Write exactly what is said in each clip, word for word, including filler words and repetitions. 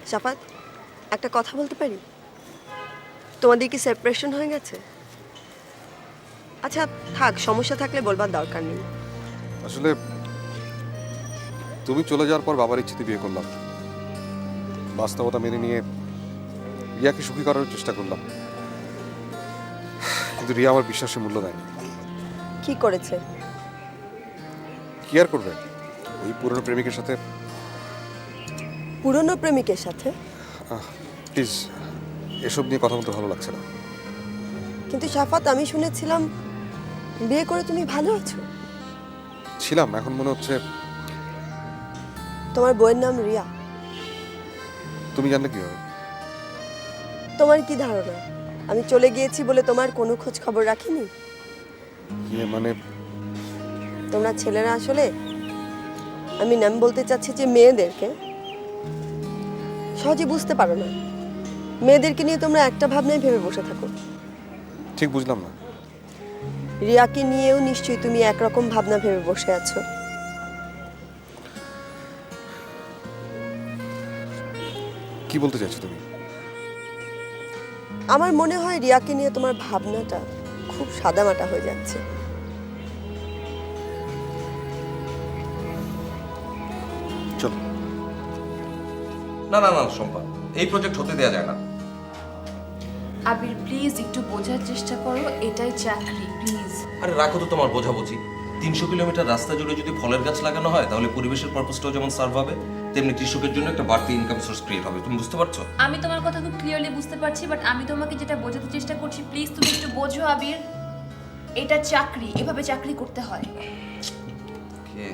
শাফাত, একটা কথা বলতে পারি? তোমাদের কি সেপারেশন হয়ে গেছে? আচ্ছা থাক, সমস্যা থাকলে বলবার দরকার নেই। আসলে তুমি চলে যাওয়ার পর বাবার ইচ্ছেতে বিয়ে করলাম। বাস্তবতা মেনে নিয়ে রিয়াকে সুখী করার চেষ্টা করলাম, কিন্তু রিয়া আমার বিশ্বাসের মূল্য দেয়নি। কি করেছে? কি আর করবে, ওই পুরনো প্রেমিকের সাথে। পুরনো প্রেমিকের সাথে? প্লিজ এসব নিয়ে কথা বলতে ভালো লাগছে না। কিন্তু শাফাত, আমি শুনেছিলাম বিয়ে করে তুমি ভালো আছো। ছিলাম, এখন মনে হচ্ছে। তোমার বইয়ের নাম রিয়া। তুমি জানলে কি হবে? তোমার কি ধারণা আমি চলে গিয়েছি বলে তোমার কোনো খোঁজ খবর রাখিনি? ইয়ে মানে তোমরা ছেলেরা আসলে, আমি নাম বলতে চাচ্ছি যে মেয়েদেরকে সহজে বুঝতে পারো না। মেয়েদেরকে নিয়ে তোমরা একটা ভাবনায় ভেবে বসে থাকো। ঠিক বুঝলাম না। রিয়াকে নিয়েও নিশ্চয়ই তুমি একরকম ভাবনা ভেবে বসে আছো। কি বলতে চাইছো তুমি? আমার মনে হয় রিয়াকে নিয়ে তোমার ভাবনাটা খুব সাদামাটা হয়ে যাচ্ছে। চলো। না না না শম্পা, এই প্রজেক্ট হতে দেয়া যায় না। আবির প্লিজ একটু বোঝার চেষ্টা করো, এটাই চাকরি, প্লিজ। আরে রাখো তো তোমার বোঝাবুঝি। তিনশো কিলোমিটার রাস্তা জুড়ে যদি ফলের গাছ লাগানো হয় তাহলে পরিবেশের পারপাসটাও যেমন সার্ভ হবে, তেমনি কৃষকের জন্য একটা বাড়তি ইনকাম সোর্স ক্রিয়েট হবে। তুমি বুঝতে পারছো? আমি তোমার কথা খুব ক্লিয়ারলি বুঝতে পারছি, বাট আমি তোমাকে যেটা বোঝাতে চেষ্টা করছি, প্লিজ তুমি একটু বোঝো আবির। এটা চাকরি, এভাবে চাকরি করতে হয়। কে?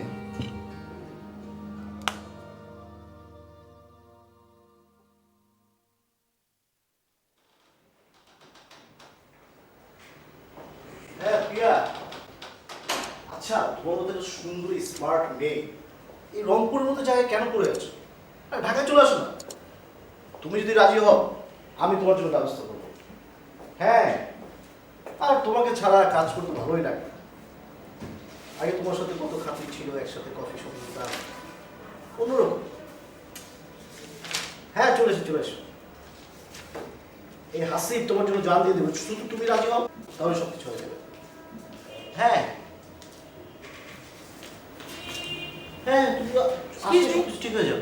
হ্যাঁ প্রিয়া, আচ্ছা তোমার মতো একটা সুন্দর স্মার্ট মেয়ে এই রংপুরের মতো জায়গায় কেন পড়ে আছো? আর ঢাকায় চলে আসো না। তুমি যদি রাজি হও আমি তোমার জন্য ব্যবস্থা করবো। হ্যাঁ, আর তোমাকে ছাড়া কাজ করতে ভালোই লাগে। আগে তোমার সাথে কত খাতির ছিল, একসাথে কফি শপ দিতাম, অন্যরকম। হ্যাঁ চলে এসো চলে এসো। এই হাসিব তোমার জন্য জান দিয়ে দেবে, শুধু তুমি রাজি হও তাহলে সব কিছু হয়ে যাবে। হ্যাঁ হ্যাঁ তুমি আসলে সব কিছু ঠিক হয়ে যাবে।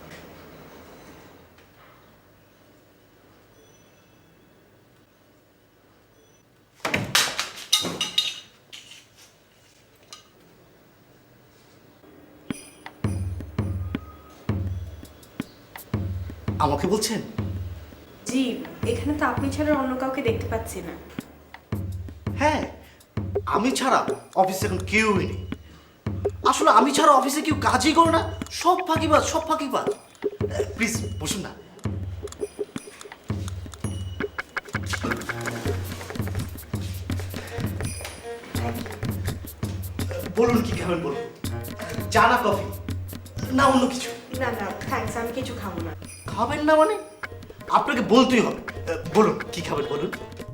আমাকে বলছেন? জি, এখানে তো আপনি ছাড়া অন্য কাউকে দেখতে পাচ্ছি না। হ্যাঁ, আমি ছাড়া অফিসে এখন কেউই নেই। আসলে আমি ছাড়া অফিসে কেউ কাজই করে না, সব ফাঁকিবাজ সব ফাঁকিবাজ। প্লিজ বসুন না। বলুন কি খাবেন বলুন, চা না কফি না অন্য কিছু? না না থ্যাঙ্কস, আমি কিছু খাবো না। খাবেন না মানে? আপনাকে বলতেই হবে। বলুন কি খাবেন বলুন।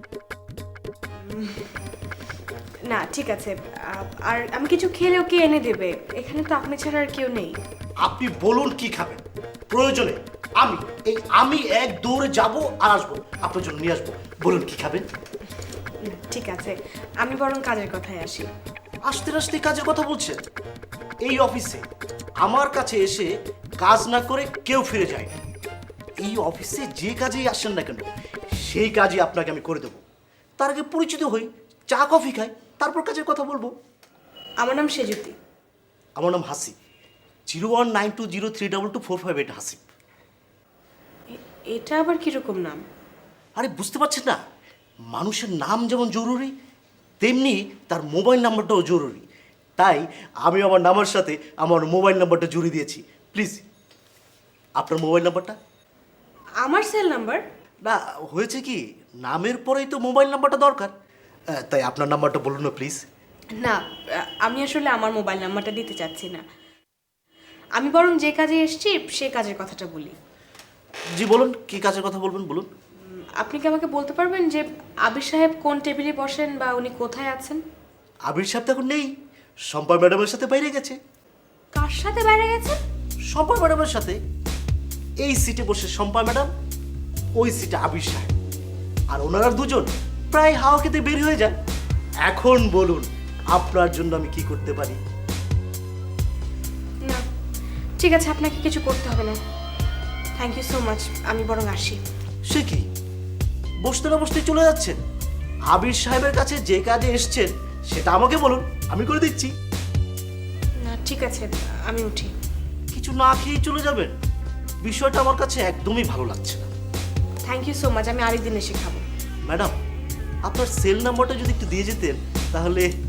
না ঠিক আছে, আ- আর আমি কিছু খেলেও কে এনে দেবে? এখানে তো আপনি ছাড়া আর কেউ নেই। আপনি বলুন কি খাবেন, প্রয়োজনে আমি এই আমি এক দৌড়ে যাব আর আসবো, আপনার জন্য নিয়ে আসবো। বলুন কি খাবেন। না, ঠিক আছে, আমি বরং কাজের কথায় আসি। আসতে আসতে কাজের কথা বলছেন? এই অফিসে আমার কাছে এসে কাজ না করে কেউ ফিরে যায় না। এই অফিসে যে কাজেই আসেন না কেন সেই কাজই আপনাকে আমি করে দেবো। তার আগে পরিচিত হই, চা কফি খাই, তারপর কাজের কথা বলবো। আমার নাম সেজুতি। আমার নাম Hasib. Zero one nine two zero three double two four five eight Hasib. এ- এটা আবার কিরকম নাম? আরে বুঝতে পারছেন না, মানুষের নাম যেমন জরুরি তেমনি তার মোবাইল নাম্বারটাও জরুরি। তাই আমি আমার নামের সাথে আমার মোবাইল নাম্বারটা জুড়ে দিয়েছি। প্লিজ আপনার মোবাইল নাম্বারটা। আমার সেল নাম্বার? না হয়েছে কি, নামের পরেই তো মোবাইল নাম্বারটা দরকার। আহ, তাই আপনার নাম্বারটা বলুন না প্লিজ। না, আ- আমি আসলে আমার মোবাইল নাম্বারটা দিতে চাচ্ছি না। আমি বরং যে কাজে এসেছি সে কাজের কথাটা বলি। জি বলুন, কি কাজের কথা বলবেন বলুন। উম, আপনি কি আমাকে বলতে পারবেন যে আবির সাহেব কোন টেবিলে বসেন বা উনি কোথায় আছেন? আবির সাহেব তো এখন নেই, শম্পা ম্যাডামের সাথে বাইরে গেছে। কার সাথে বাইরে গেছেন? শম্পা ম্যাডামের সাথে। এই সিটে বসে শম্পা ম্যাডাম, ওই সিটে আবির সাহেব, আর ওনারা দুজন প্রায় হাওয়া খেতে বের হয়ে যায়। এখন বলুন আপনার জন্য আমি কি করতে পারি? না ঠিক আছে, আপনাকে কিছু করতে হবে না। থ্যাংক ইউ সো মাচ, আমি বরং আসি। সে কি, বসতে না বসতে চলে যাচ্ছেন? আবির সাহেবের কাছে যে কাজে এসছেন সেটা আমাকে বলুন, আমি করে দিচ্ছি। না ঠিক আছে, আমি উঠি। কিছু না খেয়েই চলে যাবেন? বিষয়টা আমার কাছে একদমই ভালো লাগছে না। থ্যাংক ইউ সো মাচ, আমি আরেকদিন এসে খাবো। ম্যাডাম, আপনার সেল নাম্বারটা যদি একটু দিয়ে যেতেন তাহলে